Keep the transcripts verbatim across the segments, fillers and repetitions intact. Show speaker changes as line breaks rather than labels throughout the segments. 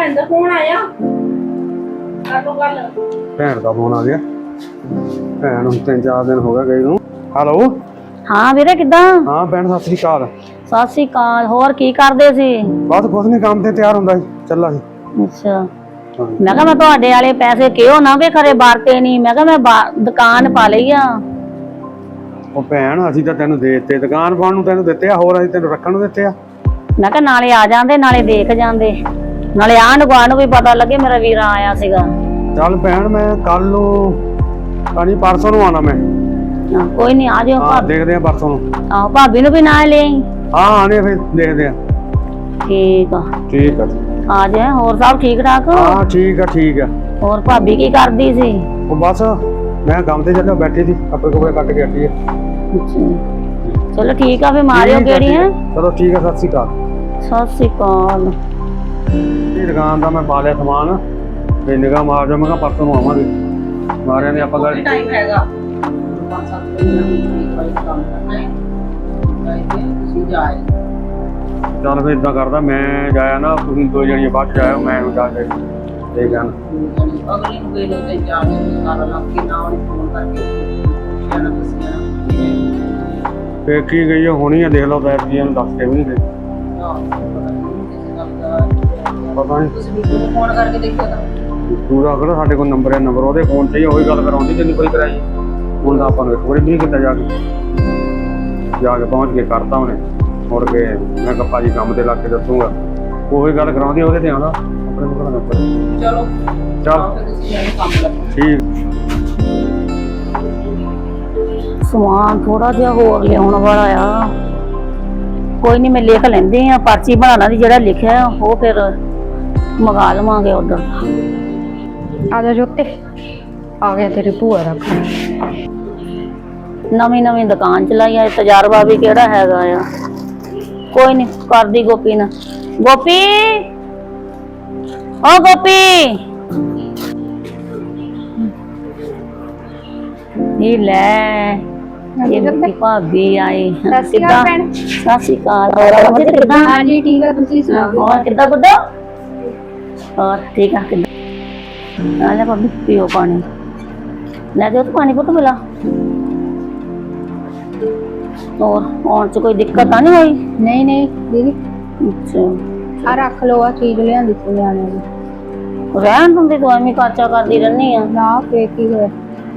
ਭੈਣ ਦਾ ਫੋਨ ਆਇਆ ਕਰ ਲੋ ਗੱਲ।
ਭੈਣ ਦਾ ਫੋਨ ਆ ਗਿਆ। ਭੈਣ ਨੂੰ ਤਿੰਨ ਚਾਰ ਦਿਨ ਹੋ ਗਏ ਗਈ ਨੂੰ। ਹੈਲੋ
ਹਾਂ ਵੀਰੇ ਕਿੱਦਾਂ?
ਹਾਂ ਭੈਣ ਸਤਿ ਸ੍ਰੀ ਅਕਾਲ।
ਸਤਿ ਸ੍ਰੀ ਅਕਾਲ। ਹੋਰ ਕੀ ਕਰਦੇ ਸੀ?
ਬਸ ਕੁਛ ਨਹੀਂ, ਕੰਮ ਤੇ ਤਿਆਰ ਹੁੰਦਾ ਸੀ, ਚੱਲਾ ਸੀ।
ਅੱਛਾ ਮੈਂ ਕਿਹਾ ਮੈਂ ਤੁਹਾਡੇ ਵਾਲੇ ਪੈਸੇ ਕਿਉਂ ਨਾ ਵੇ ਖਰੇ ਵਰਤੇ ਨਹੀਂ। ਮੈਂ ਕਿਹਾ ਮੈਂ ਦੁਕਾਨ ਪਾ ਲਈ ਆ।
ਉਹ ਭੈਣ ਅਸੀਂ ਤਾਂ ਤੈਨੂੰ ਦੇ ਦਿੱਤੇ, ਦੁਕਾਨ ਪਾਉਣ ਨੂੰ ਤੈਨੂੰ ਦਿੱਤੇ ਆ, ਹੋਰ ਅਸੀਂ ਤੈਨੂੰ ਰੱਖਣ ਨੂੰ ਦਿੱਤੇ ਆ।
ਮੈਂ ਕਿਹਾ ਨਾਲੇ ਆ ਜਾਂਦੇ ਨਾਲੇ ਦੇਖ ਜਾਂਦੇ, ਨਾਲੇ ਆਂਢ ਗੁਆਂਢ ਨੂੰ ਵੀ ਪਤਾ ਲੱਗੇ ਮੇਰਾ ਵੀਰਾ ਆਇਆ ਸੀਗਾ।
ਚੱਲ ਭੈਣ ਮੈਂ ਕੱਲ ਨੂੰ ਨਹੀਂ ਪਰਸੋਂ ਨੂੰ ਆਣਾ ਮੈਂ।
ਹਾਂ, ਕੋਈ ਨਹੀਂ ਆ ਜਾਓ।
ਹਾਂ ਦੇਖਦੇ ਆ ਪਰਸੋਂ ਨੂੰ।
ਆਹੋ ਭਾਬੀ ਨੂੰ ਵੀ ਨਾਲ ਲੈ ਆਈ।
ਹਾਂ ਆਣੇ ਫਿਰ ਦੇਖਦੇ ਆ।
ਠੀਕ ਆ
ਠੀਕ ਆ
ਆ ਜਾ। ਹੋਰ ਸਭ ਠੀਕ ਠਾਕ?
ਹਾਂ ਠੀਕ ਆ ਠੀਕ ਆ।
ਹੋਰ ਭਾਬੀ ਕੀ ਕਰਦੀ ਸੀ?
ਉਹ ਬਸ ਮੈਂ ਕੰਮ ਤੇ ਚੱਲਿਆ, ਬੈਠੀ ਸੀ, ਕੱਪੜੇ ਕੁਪੜੇ ਕੱਟ ਕੇ ਹਟੀ ਆ।
ਚਲੋ ਠੀਕ ਆ, ਫੇ ਮਾਰਿਓ ਕਿਹੜੀ ਹੈ।
ਚਲੋ ਠੀਕ ਆ, ਸਤਿ ਸ੍ਰੀ ਅਕਾਲ।
ਸਤਿ ਸ੍ਰੀ ਅਕਾਲ।
ਇਹ ਦੁਕਾਨ ਦਾ ਮੈਂ ਪਾ ਲਿਆ ਸਮਾਨ, ਤੇ ਨਿਗਾਹ ਮਾਰ ਜਾ। ਮੈਂ ਕਿਹਾ ਪਰਸੋਂ ਨੂੰ ਆਵਾਂਗੇ, ਮਾਰਿਆਂ ਨੇ ਆਪਾਂ ਗੱਲ।
ਟਾਈਮ ਹੈਗਾ ਪੰਜ ਸੱਤ ਦਿਨ ਕੰਮ ਕਰਨਾ ਹੈ, ਤੁਸੀਂ ਜਾਏ।
ਚੱਲ ਫਿਰ ਇਦਾਂ ਕਰਦਾ, ਮੈਂ ਜਾਇਆ ਨਾ, ਤੁਸੀਂ ਦੋ ਜਣੀਆਂ ਬਾਅਦ ਚ ਜਾਇਓ, ਮੈਂ ਜਾ ਕੇ ਦੇਖ ਜਾਣਾ।
ਅਗਲੀ ਨੂੰ ਵੇਲੇ ਤੇ ਜਾ ਕੇ ਸਾਰਾ ਲੱਗ ਕੇ ਨਾ ਉਹਨੂੰ ਫੋਨ ਕਰਕੇ ਜਾਣਾ ਦੱਸਿਆ
ਫੇਰ ਕੀ ਗਈ ਹੋਣੀ ਆ, ਦੇਖ ਲਓ ਬੈਠ ਜੀ, ਇਹਨੂੰ ਦੱਸ ਕੇ ਵੀ ਨਹੀਂ ਗਏ। ਪਤਾ ਨਹੀਂ
ਤੁਸੀਂ ਵੀ ਫੋਨ ਕਰਕੇ ਦੇਖਿਆ ਤਾਂ
ਪੂਰਾ ਅਗਲਾ ਸਾਡੇ ਕੋਲ ਨੰਬਰ ਹੈ, ਨੰਬਰ ਉਹਦੇ ਫੋਨ ਤੇ ਹੀ ਉਹੀ ਗੱਲ ਕਰਾਉਂਦੀ ਜਿੰਨੀ ਕੋਈ ਕਰਾਈ। ਹੁਣ ਤਾਂ ਆਪਾਂ ਨੂੰ ਇੱਕ ਵਾਰੀ ਵੀ ਨਹੀਂ ਕੀਤਾ, ਜਾ ਕੇ ਜਾ ਕੇ ਪਹੁੰਚ ਕੇ ਕਰਤਾ ਉਹਨੇ। ਮੁੜ ਕੇ ਮੈਂ ਕਿਹਾ ਭਾਜੀ ਕੰਮ ਤੇ ਲੱਗ ਕੇ ਦੱਸੂਗਾ, ਉਹੀ ਗੱਲ ਕਰਾਉਂਦੀ ਉਹਦੇ ਤੇ ਆਉਂਦਾ ਆਪਣੇ ਕੋਲ ਨੰਬਰ।
ਚਲੋ
ਚੱਲ
ਕੰਮ
ਠੀਕ।
ਸਮਾਨ ਥੋੜਾ ਜਿਹਾ ਹੋਰ ਲਿਆਉਣ ਵਾਲਾ ਆ, ਕੋਈ ਨਹੀਂ ਮੈਂ ਲਿਖ ਲੈਂਦੀ ਆ, ਪਰਚੀ ਬਣਾਉਣਾ ਦੀ ਜਿਹੜਾ ਲਿਖਿਆ ਉਹ ਫਿਰ ਮੰਗਾ ਲਵਾਂਗੇ ਆਰਡਰ।
ਆ ਜਾ ਜੋਤੇ, ਆ ਗਿਆ ਤੇਰੀ ਭੂਆ ਦਾ ਕੰਮ।
ਨਵੀਂ ਨਵੀਂ ਦੁਕਾਨ ਚਲਾਈ ਆ, ਤਜਰਬਾ ਵੀ ਕਿਹੜਾ ਹੈਗਾ ਆ। ਕੋਈ ਨਹੀਂ ਕਰਦੀ ਗੋਪੀ ਨਾ। ਗੋਪੀ ਓ ਗੋਪੀ ਨੀ ਲੈ, ਇਹ ਮੇਰੀ ਭਾਬੀ ਆਈ। ਕਿੱਦਾਂ? ਸਤਿ ਸ਼੍ਰੀ ਅਕਾਲ। ਹੋਰ ਅਮਰਜੀਤ ਕਿੱਦਾਂ?
ਹਾਂਜੀ ਠੀਕ ਆ, ਤੁਸੀਂ ਸੁਣਾਓ?
ਹੋਰ ਕਿੱਦਾਂ ਗੁੱਡਾ? ਹੋਰ ਠੀਕ ਆ? ਕਿੱਦਾਂ ਆ ਲੈ ਭਾਬੀ, ਪੀਓ ਪਾਣੀ। ਲੈ ਦਿਓ ਪਾਣੀ ਪੁੱਤ ਮਿਲਾ। ਹੋਰ ਆਉਣ ਚ ਕੋਈ ਦਿੱਕਤ ਤਾਂ ਨਹੀਂ ਹੋਈ?
ਨਹੀਂ ਨਹੀਂ ਦੀਦੀ,
ਅੱਛਾ
ਆ ਰੱਖ ਲਓ, ਆ ਚੀਜ਼ ਲਿਆਂਦੀ ਸੀ ਨਿਆਣਿਆਂ ਦੀ।
ਰਹਿਣ ਦਿੰਦੀ ਤੂੰ, ਐਵੇਂ ਕਾਚਾ ਕਰਦੀ ਰਹਿੰਦੀ ਆ।
ਨਾ ਫੇਰ ਕੀ ਹੋਇਆ?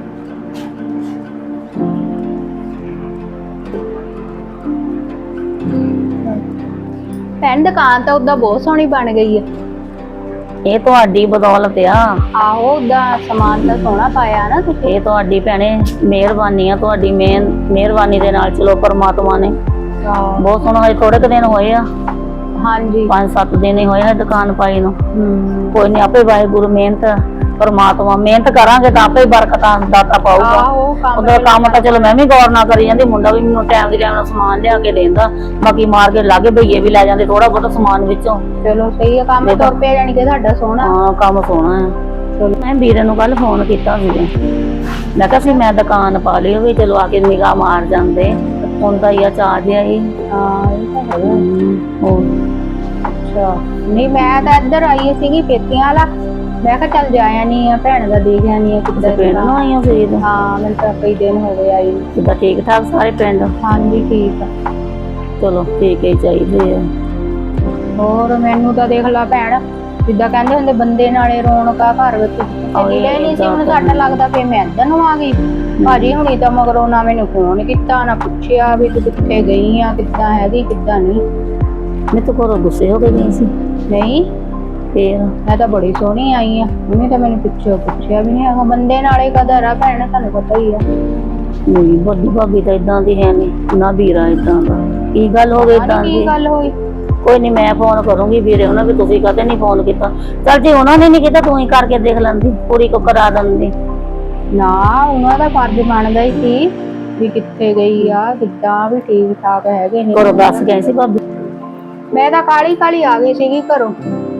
ਭੈਣ ਦੁਕਾਨ ਤਾਂ ਉਦਾਂ ਬਹੁਤ ਸੋਹਣੀ ਬਣ ਗਈ ਹੈ।
ਇਹ ਤੁਹਾਡੀ ਬਦੌਲਤ ਆ।
ਆਹੋ ਉਦਾਂ ਸਮਾਨ ਤਾਂ ਸੋਹਣਾ ਪਾਇਆ ਨਾ ਤੁਸੀਂ।
ਇਹ ਤੁਹਾਡੀ ਭੈਣੇ ਮਿਹਰਬਾਨੀ ਆ, ਤੁਹਾਡੀ ਮੇਨ ਮਿਹਰਬਾਨੀ ਦੇ ਨਾਲ ਚਲੋ ਪਰਮਾਤਮਾ ਨੇ ਬਹੁਤ ਸੋਹਣਾ। ਹਜੇ ਥੋੜੇ ਕੁ ਦਿਨ ਹੋਏ ਆ,
ਹਾਂਜੀ
ਪੰਜ ਸੱਤ ਦਿਨ ਹੀ ਹੋਏ ਆ ਦੁਕਾਨ ਪਾਈ ਨੂੰ।
ਹਮ
ਕੋਈ ਨਹੀਂ, ਆਪੇ ਵਾਹਿਗੁਰੂ ਮਿਹਨਤ ਪਰਮਾਤਮਾ ਮਿਹਨਤ ਕਰਾਂਗੇ ਤਾਂ ਆਪੇ ਬਰਕਤਾਂ ਦਾਤਾ ਪਾਊਗਾ। ਉਹਦਾ ਕੰਮ ਤਾਂ ਚਲੋ ਮੈਂ ਵੀ ਗੌਰ ਨਾ ਕਰੀ ਜਾਂਦੀ, ਮੁੰਡਾ ਵੀ ਮੈਨੂੰ ਟਾਈਮ ਦੀ ਟਾਈਮ ਨਾਲ ਸਮਾਨ ਲਿਆ ਕੇ ਦੇਂਦਾ, ਬਾਕੀ ਮਾਰਕੀਟ ਲਾਗੇ ਭਈਏ ਵੀ ਲੈ ਜਾਂਦੇ ਥੋੜਾ ਬਹੁਤਾ ਸਮਾਨ ਵਿੱਚੋਂ।
ਚਲੋ ਸਹੀ ਆ, ਕੰਮ ਤੁਰ ਪਿਆ ਜਾਣੀ ਕਿ ਤੁਹਾਡਾ ਸੋਹਣਾ।
ਹਾਂ ਕੰਮ ਸੋਹਣਾ ਆ। ਚਲੋ ਮੈਂ ਵੀਰੇ ਨੂੰ ਕੱਲ ਫੋਨ ਕੀਤਾ ਸੀਗਾ, ਮੈਂ ਕਿਹਾ ਸੀ ਮੈਂ ਦੁਕਾਨ ਪਾ ਲਈ ਵੀ ਚਲੋ ਆ ਕੇ ਨਿਗਾਹ ਮਾਰ ਜਾਂਦੇ। ਹੁਣ ਤਾਂ ਇਹ ਚਾਹ ਜਿਹਾ ਹੀ।
ਹਾਂ ਇਹ ਤਾਂ ਹੈਗਾ।
ਹੋਰ
ਅੱਛਾ ਨਹੀਂ, ਮੈਂ ਤਾਂ ਇੱਧਰ ਆਈ ਸੀਗੀ ਪੇਤੀਆਂ ਵਾਲਾ, ਮੈਂ ਕਿਹਾ ਚੱਲ ਜਾਇਆ ਨਹੀਂ ਆ, ਭੈਣ ਦਾ ਦੇਖ ਆਨੀ ਆ ਕਿੱਦਾਂ।
ਪਿੰਡ ਨੂੰ ਆਈ ਆ ਫਰੀਦ?
ਹਾਂ ਮੈਨੂੰ ਤਾਂ ਕਈ ਦਿਨ ਹੋ ਗਏ ਆਈ।
ਕਿੱਦਾਂ ਠੀਕ ਠਾਕ ਸਾਰੇ ਪਿੰਡ?
ਹਾਂਜੀ ਠੀਕ ਆ।
ਚਲੋ ਠੀਕ ਹੀ ਚਾਹੀਦੇ ਆ।
ਹੋਰ ਮੈਨੂੰ ਤਾਂ ਦੇਖ ਲਾ ਭੈਣ, ਜਿੱਦਾਂ ਕਹਿੰਦੇ ਹੁੰਦੇ ਬੰਦੇ ਨਾਲੇ ਰੌਣਕਾ ਘਰ ਵਿੱਚ ਮਿਲੇ ਨਹੀਂ ਸੀ। ਹੁਣ ਸਾਡਾ ਲੱਗਦਾ ਫੇ ਮੈਂ ਇੱਧਰ ਨੂੰ ਆ ਗਈ। ਭਾਜੀ ਹੁਣੀ ਤਾਂ ਮਗਰੋਂ ਨਾ ਮੈਨੂੰ ਫੋਨ ਕੀਤਾ ਨਾ ਪੁੱਛਿਆ ਵੀ ਤੂੰ ਕਿੱਥੇ ਗਈ ਆ, ਕਿੱਦਾਂ ਹੈਗੀ ਕਿੱਦਾਂ ਨਹੀਂ।
ਮੈਂ ਤਾਂ ਘਰੋਂ ਗੁੱਸੇ ਹੋ ਕੇ ਗਈ ਸੀ।
ਨਹੀਂ
ਫੇਰ
ਮੈਂ ਤਾਂ ਬੜੀ ਸੋਹਣੀ ਆਈ ਆ, ਉਹਨੇ ਤਾਂ ਮੈਨੂੰ ਪਿੱਛੇ ਪੁੱਛਿਆ ਵੀ ਨਹੀਂ ਹੈਗਾ। ਬੰਦੇ ਨਾਲੇ ਕਦਰ ਆ ਭੈਣ, ਤੁਹਾਨੂੰ ਪਤਾ ਹੀ ਆ।
ਨਹੀਂ ਵੱਡੀ ਭਾਬੀ ਤਾਂ ਇਦਾਂ ਦੀ ਹੈ ਨਹੀਂ ਨਾ, ਵੀਰਾ ਇਦਾਂ ਦਾ। ਕੀ ਗੱਲ ਹੋ ਗਈ ਇਦਾਂ ਦੀ?
ਕੀ ਗੱਲ ਹੋਈ?
ਕੋਈ ਨਹੀਂ ਮੈਂ ਫੋਨ ਕਰੂੰਗੀ ਵੀਰੇ ਉਹਨਾਂ ਵੀ, ਤੁਸੀਂ ਕਦੇ ਨਹੀਂ ਫੋਨ ਕੀਤਾ। ਚੱਲ ਜੇ ਉਹਨਾਂ ਨੇ ਨਹੀਂ ਕੀਤਾ ਤੂੰ ਹੀ ਕਰਕੇ ਦੇਖ ਲੈਂਦੀ, ਪੂਰੀ ਕੋ ਕਰਾ ਦਿੰਦੀ।
ਨਾ ਉਹਨਾਂ ਦਾ ਫਰਜ਼ ਬਣਦਾ ਹੀ ਸੀ ਵੀ ਕਿੱਥੇ ਗਈ ਆ, ਕਿੱਦਾਂ ਵੀ ਠੀਕ ਠਾਕ ਹੈਗੇ ਨੇ।
ਘਰੋਂ ਦੱਸ ਗਏ ਸੀ ਭਾਬੀ?
ਮੈਂ ਤਾਂ ਕਾਲੀ ਕਾਲੀ ਆ ਗਈ ਸੀਗੀ ਘਰੋਂ।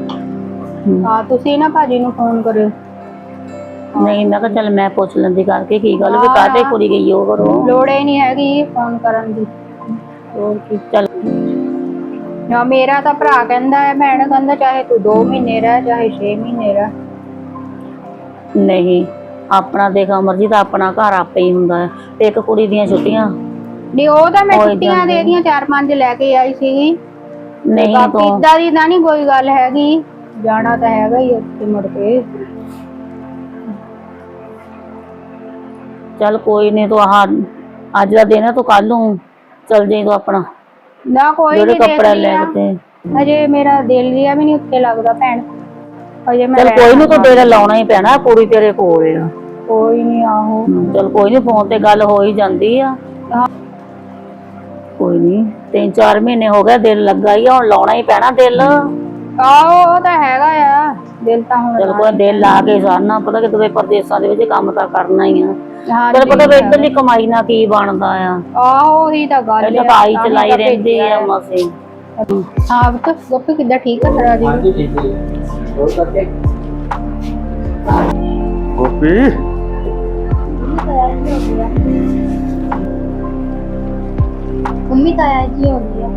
ਹਾਂ ਤੁਸੀਂ ਨਾ ਭਾਜੀ ਨੂੰ ਫੋਨ ਕਰਿਓ।
ਨਹੀਂ ਮੈਂ ਕਿਹਾ ਚੱਲ ਮੈਂ ਪੁੱਛ ਲੈਂਦੀ ਕਰਕੇ ਕੀ ਗੱਲ ਵੀ ਕਾਹਤੇ ਕੁੜੀ ਗਈ ਉਹ ਘਰੋਂ।
ਲੋੜ ਹੀ ਨਹੀਂ ਹੈਗੀ ਫੋਨ ਕਰਨ ਦੀ।
ਹੋਰ ਕੀ। ਚੱਲ
ਨਾ ਮੇਰਾ ਤਾਂ ਭਰਾ ਕਹਿੰਦਾ ਹੈ, ਭੈਣ ਕਹਿੰਦਾ ਚਾਹੇ ਤੂੰ ਦੋ ਮਹੀਨੇ ਰਹਿ ਚਾਹੇ ਛੇ ਮਹੀਨੇ ਰਹਿ।
ਨਹੀਂ ਆਪਣਾ ਦੇਖ ਅਮਰਜੀਤ ਆਪਣਾ ਘਰ ਆਪੇ ਹੀ ਹੁੰਦਾ ਹੈ ਤੇ ਇੱਕ ਕੁੜੀ ਦੀਆਂ ਛੁੱਟੀਆਂ
ਨਹੀਂ ਉਹ ਤਾਂ ਮੈਂ
ਹੋਈ
ਛੁੱਟੀਆਂ
ਜਾਂਦੀ।
ਦੇ ਦੀਆਂ ਚਾਰ ਪੰਜ ਲੈ ਕੇ ਆਈ ਸੀਗੀ।
ਨਹੀਂ
ਬਾਕੀ
ਤੂੰ
ਏਦਾਂ ਦੀ ਤਾਂ ਨਹੀਂ ਕੋਈ ਗੱਲ ਹੈਗੀ, ਜਾਣਾ ਤਾਂ ਹੈਗਾ ਹੀ ਉੱਥੇ ਮੁੜ ਕੇ।
ਚੱਲ ਕੋਈ ਨਹੀਂ ਤੂੰ ਆਹ ਅੱਜ ਦਾ ਦਿਨ ਹੈ ਤੂੰ ਕੱਲ ਨੂੰ ਚਲ ਜਾਈਂ ਤੂੰ ਆਪਣਾ
ਨਾ ਕੋਈ
ਜਿਹੜੇ
ਨਹੀਂ
ਕੱਪੜੇ ਲੈ ਕੇ ਤੇ
ਅਜੇ ਮੇਰਾ ਦਿਲ ਜਿਹਾ ਵੀ ਨਹੀਂ ਉੱਥੇ ਲੱਗਦਾ ਭੈਣ। ਅਜੇ ਮੈਂ
ਚੱਲ ਕੋਈ ਨਹੀਂ ਤੂੰ ਤੇਰਾ ਲਾਉਣਾ ਹੀ ਪੈਣਾ, ਕੁੜੀ ਤੇਰੇ ਕੋਲ ਆ।
ਕੋਈ ਨਹੀਂ ਆਹੋ
ਚੱਲ ਕੋਈ ਨਹੀਂ ਫੋਨ ਤੇ ਗੱਲ ਹੋ ਹੀ ਜਾਂਦੀ ਆ। ਕੋਈ ਨਹੀਂ ਤਿੰਨ ਚਾਰ ਮਹੀਨੇ ਹੋ ਗਏ ਦਿਲ ਲੱਗਾ ਹੀ ਆ, ਹੁਣ ਲਾਉਣਾ ਹੀ ਪੈਣਾ ਦਿਲ।
ਆਹੋ ਉਹ ਤਾਂ ਹੈਗਾ ਆ ਦਿਲ ਤਾਂ ਹੁਣ।
ਚੱਲ ਕੋਈ ਦਿਲ ਲਾ ਕੇ ਸਾਰਨਾ, ਪਤਾ ਕਿ ਤੂੰ ਪ੍ਰਦੇਸਾਂ ਦੇ ਵਿੱਚ ਕੰਮ ਤਾਂ ਕਰਨਾ ਹੀ ਆ।
ਹਾਂ
ਤੈਨੂੰ ਪਤਾ ਵੀ ਇੱਧਰਲੀ ਕਮਾਈ ਨਾਲ ਕੀ ਬਣਦਾ ਆ।
ਆਹੋ ਉਹੀ ਤਾਂ ਗੱਲ
ਪਹਿਲਾਂ
ਆ,
ਤਾਂ ਆਈ
ਤਾਂ ਹੀ
ਚਲਾਈ
ਤਾਂ
ਰਹਿੰਦੀ ਆ
ਭੇਜਿਆ।
ਮਸੇ।
ਹਾਂ ਪੁੱਤ ਗੋਪੀ ਕਿੱਦਾਂ ਠੀਕ ਆ ਤੇਰਾ ਜੀ?
ਹਾਂਜੀ ਠੀਕ ਹੈ ਹੋਰ ਕਰਕੇ
ਗੋਪੀ
ਮੰਮੀ ਤਾਂ ਆਇਆ ਜੀ ਹੋ ਗਿਆ।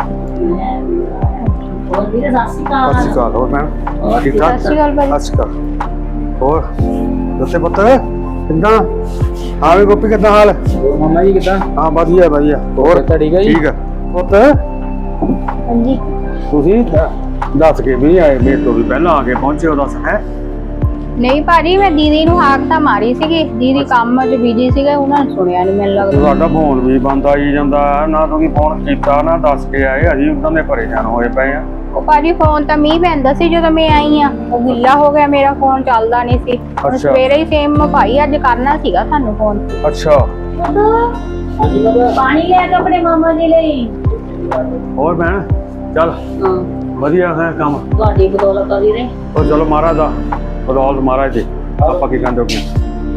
ਹੋਰ ਵੀਰੇ ਸਤਿ ਸ਼੍ਰੀ
ਸਤਿ
ਅਕਾਲ।
ਸ਼੍ਰੀ ਅਕਾਲ। ਹੋਰ ਮੈਂ ਠੀਕ ਠਾਕ?
ਸਤਿ ਸ਼੍ਰੀ ਅਕਾਲ ਬਾਈ।
ਸਤਿ ਸ਼੍ਰੀ ਅਕਾਲ। ਹੋਰ ਦੱਸੇ ਪੁੱਤ ਕਿੱਦਾਂ? ਹਾਂ ਵੀ ਗੋਪੀ ਕਿੱਦਾਂ ਹਾਲ?
ਹੋਰ ਮਾਮਾ ਜੀ ਕਿੱਦਾਂ?
ਹਾਂ ਵਧੀਆ ਵਧੀਆ। ਹੋਰ
ਤਾਂ ਠੀਕ ਹੈ ਜੀ?
ਠੀਕ ਆ ਪੁੱਤ।
ਹਾਂਜੀ
ਤੁਸੀਂ ਦੱਸ ਕੇ ਵੀ ਨਹੀਂ ਆਏ, ਮੇਰੇ ਤੋਂ ਵੀ ਪਹਿਲਾਂ ਆ ਕੇ ਪਹੁੰਚੇ ਹੋ। ਦੱਸ ਹੈ
ਨਹੀਂ ਭਾਜੀ ਮੈਂ ਦੀਦੀ ਨੂੰ ਹਾਕ ਤਾਂ ਮਾਰੀ ਸੀਗੀ, ਦੀਦੀ ਕੰਮ 'ਚ ਬਿਜੀ ਸੀਗੇ, ਉਹਨਾਂ ਨੇ ਸੁਣਿਆ ਨਹੀਂ ਮੈਨੂੰ ਲੱਗਦਾ।
ਤੁਹਾਡਾ ਫੋਨ ਵੀ ਬੰਦ ਆਈ ਜਾਂਦਾ, ਨਾ ਤੁਸੀਂ ਫੋਨ ਕੀਤਾ ਨਾ ਦੱਸ ਕੇ ਆਏ। ਅਸੀਂ ਉਦਾਂ ਦੇ ਪਰੇਸ਼ਾਨ ਹੋਏ ਪਏ ਆ।
ਉਹ ਭਾਜੀ ਫੋਨ ਤਾਂ ਮੀਂਹ ਪੈਂਦਾ ਸੀ ਜਦੋਂ ਮੈਂ ਆਈ ਆ, ਉਹ ਗਿੱਲਾ ਹੋ ਗਿਆ, ਮੇਰਾ ਫੋਨ ਚੱਲਦਾ ਨਹੀਂ ਸੀ। ਹੁਣ
ਅੱਛਾ।
ਸਵੇਰੇ ਹੀ ਸੇਮ ਭਾਈ ਅੱਜ ਕਰਨਾ ਸੀਗਾ ਤੁਹਾਨੂੰ ਫੋਨ।
ਅੱਛਾ
ਹਾਂਜੀ ਬਾਬਾ
ਪਾਣੀ ਲੈ ਕੇ ਆਪਣੇ ਮਾਮਾ ਜੀ ਲਈ।
ਹੋਰ ਭੈਣ ਚੱਲ
ਹਾਂ
ਵਧੀਆ ਹੈ ਕੰਮ।
ਤੁਹਾਡੀ ਬਦੌਲਤ ਆ ਵੀਰੇ।
ਉਹ ਚਲੋ ਮਹਾਰਾਜ ਦਾ ਬਦੌਲਤ ਮਹਾਰਾਜ ਜੀ। ਆਪਾਂ ਕੀ ਕਹਿੰਦੇ ਹੋ?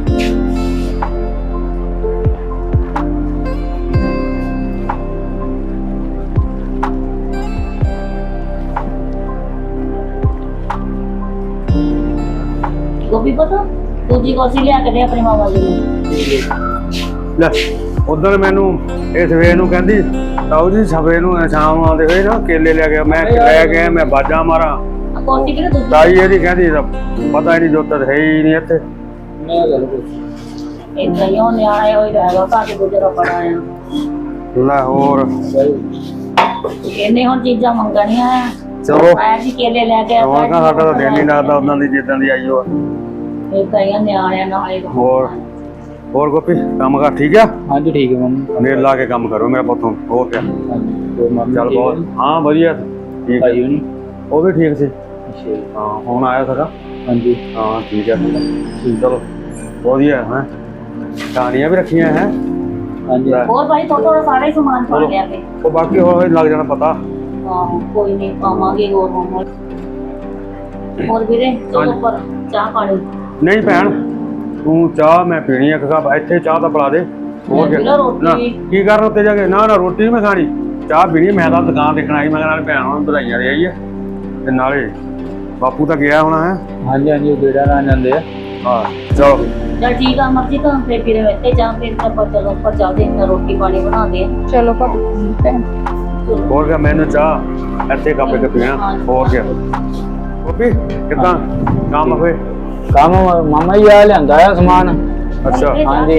ਗੋਪੀ ਪਤਾ ਦੂਜੀ ਕੋਸੀ ਲਿਆ ਕੇ ਦੇ ਆਪਣੇ ਮਾਮਾ ਜੀ ਨੂੰ।
ਲੈ ਉਧਰ ਮੈਨੂੰ ਇਹ ਸਵੇਰ ਨੂੰ ਕਹਿੰਦੀ ਤਾਊ ਜੀ ਸਵੇਰ ਨੂੰ ਸ਼ਾਮ ਆਉਂਦੇ ਹੋਏ ਨਾ ਕੇਲੇ ਲੈ ਗਿਆ। ਮੈਂ ਲੈ ਗਿਆ, ਮੈਂ ਬਾਜਾ ਮਾਰਾਂ।
ਕੋਸੀ ਕਿਹਨੇ ਦੂਜੀ
ਤਾਈ ਇਹਦੀ ਕਹਿੰਦੀ ਪਤਾ ਹੀ ਨਹੀਂ, ਜੋਤ ਹੈ ਹੀ ਨਹੀਂ ਇੱਥੇ।
ਮੈਂ ਗੱਲ ਪੁੱਛ
ਇਦਾਂ ਹੀ ਉਹ ਨਿਆਣੇ ਹੋਈ ਰਹੇਗਾ ਘਰ ਗੁਜਰਾ ਬੜਾ ਆ।
ਲੈ ਹੋਰ
ਇਹਨੇ ਹੁਣ ਚੀਜ਼ਾਂ ਮੰਗਣੀਆਂ ਆ।
ਚਲੋ
ਆਇਆ ਜੀ ਕੇਲੇ ਲੈ ਕੇ
ਹੋਰ ਕਾ ਸਾਡਾ ਤਾਂ ਦਿਲ ਨਹੀਂ ਲੱਗਦਾ ਉਦਾਂ ਦੀ ਜਿੱਦਾਂ ਦੀ ਆਈ ਉਹ।
ਇਦਾਂ ਹੀ ਆ ਨਿਆਣਿਆਂ ਨਾਲ ਹੀ।
ਹੋਰ ਹੋਰ ਗੋਪੀ ਕੰਮ ਕਰ ਠੀਕ ਆ?
ਹਾਂਜੀ ਠੀਕ ਹੈ ਮਾਮਾ।
ਮੇਰ ਲਾ ਕੇ ਕੰਮ ਕਰੋ ਮੇਰਾ ਪੁੱਤ। ਹੋ ਗਿਆ
ਹੋਰ ਮਾਮਾ
ਚੱਲ ਬਹੁਤ ਹਾਂ ਵਧੀਆ ਠੀਕ ਆ।
ਭਾਈ ਹੋਣੀ?
ਉਹ ਵੀ ਠੀਕ ਸੀ।
ਅੱਛਾ ਜੀ।
ਹਾਂ ਹੁਣ ਆਇਆ ਸੀਗਾ।
ਹਾਂਜੀ
ਹਾਂ ਠੀਕ ਹੈ ਚਲੋ ਵਧੀਆ ਹੈ। ਕਹਾਣੀਆਂ ਵੀ ਰੱਖੀਆਂ ਹੈ।
ਹਾਂਜੀ
ਹੋਰ ਭਾਈ ਥੋੜਾ ਸਾਰੇ ਹੀ ਸਮਾਨ ਪਾ ਲਿਆ ਕੇ।
ਉਹ ਬਾਕੀ ਹੋਰ ਲੱਗ ਜਾਣਾ ਪਤਾ।
ਆਹੋ ਕੋਈ ਨਹੀਂ ਪਾਵਾਂਗੇ ਹੋਰ ਹੋਰ। ਹੋਰ ਵੀਰੇ ਚਲੋ ਪਰ ਚਾਹ ਪਾਣੀ।
ਨਹੀਂ ਭੈਣ ਤੂੰ ਚਾਹ ਮੈਂ ਪੀਣੀ ਆ। ਕੱਪ ਇੱਥੇ ਚਾਹ ਤਾਂ ਪਿਲਾ ਦੇ। ਹੋਰ
ਮੈਂ
ਕੀ
ਪੀਲਾ ਰੋਟੀ।
ਨਾ ਕੀ ਕਰਨ ਉੱਤੇ ਜਾ ਕੇ? ਨਾ ਨਾ ਰੋਟੀ ਨਹੀਂ ਮੈਂ ਖਾਣੀ, ਚਾਹ ਪੀਣੀ। ਮੈਂ ਤਾਂ ਦੁਕਾਨ ਦੇਖਣ ਆਈ, ਮੈਂ ਕਿਹਾ ਨਾਲ ਭੈਣ ਨੂੰ ਵਧਾਈਆਂ ਦੇ ਆਈ ਹੈ ਤੇ ਨਾਲੇ ਬਾਪੂ ਤਾਂ ਗਿਆ ਹੋਣਾ ਹੈ।
ਹਾਂਜੀ ਹਾਂਜੀ ਉਹ ਗੇੜਾ ਨਾਲ ਜਾਂਦੇ ਆ।
ਹਾਂ ਚਲੋ
ਚਲ ਠੀਕ ਆ ਮਰਜੀ ਤਾਂ ਫਿਰ ਫਿਰ ਇੱਥੇ ਜਾਂ ਫਿਰ ਆਪਾਂ ਚਲੋ ਉੱਪਰ ਚੱਲਦੇ ਹਾਂ ਰੋਟੀ ਪਾਣੀ ਬਣਾਉਂਦੇ ਆ।
ਚਲੋ ਭਾਬੀ ਭੈਣ
ਹੋਰ ਕਿਆ ਮੈਨੂੰ ਚਾਹ ਇੱਥੇ ਕੱਪ ਕੇ ਪੀਣਾ। ਹੋਰ ਕਿਆ ਗੋਪੀ ਕਿੱਦਾਂ ਕੰਮ ਹੋਏ?
ਕੰਮ ਮਾਮਾ ਜੀ ਆ ਲਿਆਂਦਾ ਆ ਸਮਾਨ।
ਅੱਛਾ
ਹਾਂਜੀ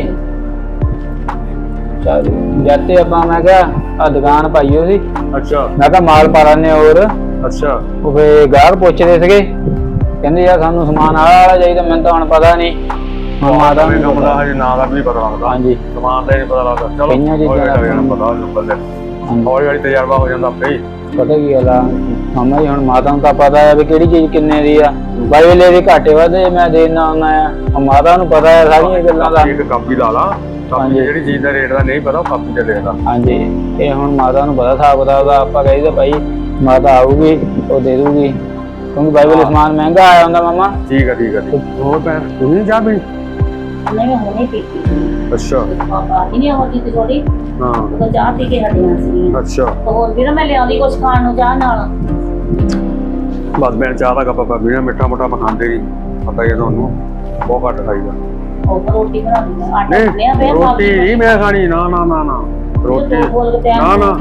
ਚਲ ਜਾਂਦੇ ਆਪਾਂ। ਮੈਂ ਕਿਹਾ ਆ ਦੁਕਾਨ ਪਾਈਓ ਸੀ,
ਅੱਛਾ
ਮੈਂ ਕਿਹਾ ਮਾਲ ਪਾ ਲੈਣੇ ਹੋਰ।
ਅੱਛਾ
ਉਹ ਫੇ ਗਾਹਕ ਪੁੱਛਦੇ ਸੀਗੇ, ਕਹਿੰਦੇ ਯਾਰ ਸਾਨੂੰ ਸਮਾਨ ਆਹ ਵਾਲਾ ਚਾਹੀਦਾ। ਮੈਨੂੰ ਤਾਂ ਹੁਣ ਪਤਾ ਨਹੀਂ, ਹੁਣ ਮਾਤਾ
ਨਵੇਂ
ਨੂੰ
ਕੰਮ ਦਾ ਹਜੇ ਨਾਂ ਦਾ ਵੀ ਨਹੀਂ ਪਤਾ ਲੱਗਦਾ।
ਹਾਂਜੀ
ਸਮਾਨ ਦਾ ਹੀ ਨਹੀਂ ਪਤਾ ਲੱਗਦਾ। ਚਲੋ
ਕਈਆਂ ਚੀਜ਼ਾਂ
ਹੌਲੀ
ਦਾ
ਹੌਲੀ ਜਾਣਾ ਪਤਾ ਹੋ ਬੰਦੇ
ਹਾਂਜੀ।
ਹੌਲੀ ਹੌਲੀ ਤਜਰਬਾ ਹੋ ਜਾਂਦਾ ਆਪੇ ਹੀ।
ਪਤਾ ਕੀ ਗੱਲ ਆ ਮਾਮਾ ਜੀ, ਹੁਣ ਮਾਤਾ ਨੂੰ ਤਾਂ ਪਤਾ ਹੈ ਵੀ ਕਿਹੜੀ ਚੀਜ਼ ਕਿੰਨੇ ਦੀ ਆ। ਬਾਈ ਵੇਲੇ ਦੀ ਘਾਟੇ ਵਾਧੇ ਮੈਂ ਦੇਣਾ ਹੁੰਦਾ ਆ। ਹੁਣ ਮਾਤਾ ਨੂੰ ਪਤਾ ਹੈ ਸਾਰੀਆਂ ਗੱਲਾਂ ਦਾ।
ਇੱਕ ਕਾਪੀ ਲਾ ਲਾ, ਕਾਪੀ ਜਿਹੜੀ ਚੀਜ਼ ਦਾ ਰੇਟ ਦਾ ਨਹੀਂ ਪਤਾ ਉਹ ਕਾਪੀ ਤੇ ਲਿਖਦਾ।
ਹਾਂਜੀ ਇਹ ਹੁਣ ਮਾਤਾ ਨੂੰ ਪਤਾ ਹਿਸਾਬ ਕਿਤਾਬ ਦਾ। ਆਪਾਂ ਕਹੀਦਾ ਭਾਈ ਮਾਤਾ ਆਊਗੀ ਉਹ ਦੇ ਦੂਗੀ, ਕਿਉਂਕਿ ਬਾਈ ਵੇਲੇ ਸਮਾਨ ਮਹਿੰਗਾ ਆਇਆ ਹੁੰਦਾ ਮਾਮਾ।
ਠੀਕ ਆ ਠੀਕ ਆ ਠੀਕ। ਹੋਰ ਭੈਣ ਤੁਸੀਂ ਨਹੀਂ ਚਾਹ ਪੀਣੀ?
ਨਹੀਂ ਮੈਂ ਹੁਣੇ ਪੀਤੀ।
ਅੱਛਾ
ਪਾਪਾ ਹੀ ਨਹੀਂ ਆਉਂਦੀ ਤੇ ਥੋੜੀ
ਹਾਂ
ਉਹ ਚਾਹ ਪੀ ਕੇ ਹਟੀਆਂ ਸੀ।
ਅੱਛਾ
ਹੋਰ ਵੀਰ ਮੈਂ ਲਿਆਉਂਦੀ ਕੁਝ ਖਾਣ ਨੂੰ ਚਾਹ ਨਾਲ।
ਬਸ ਮੈਂ ਚਾਹ ਦਾ ਕੱਪ ਪਾ ਪੀਣਾ, ਮਿੱਠਾ ਮੁੱਠਾ ਮੈਂ ਖਾਂਦੇ ਨਹੀਂ, ਪਤਾ ਹੀ ਹੈ ਤੁਹਾਨੂੰ ਬਹੁਤ ਘੱਟ ਖਾਈਦਾ।
ਉਹ ਤਾਂ ਰੋਟੀ ਬਣਾ ਲਈ ਆਟਾ
ਨਹੀਂ
ਗੁੰਨਿਆ ਪਿਆ
ਰੋਟੀ ਨਹੀਂ ਮੈਂ ਖਾਣੀ। ਨਾ ਨਾ ਨਾ ਨਾ ਰੋਟੀ ਨਾ ਨਾ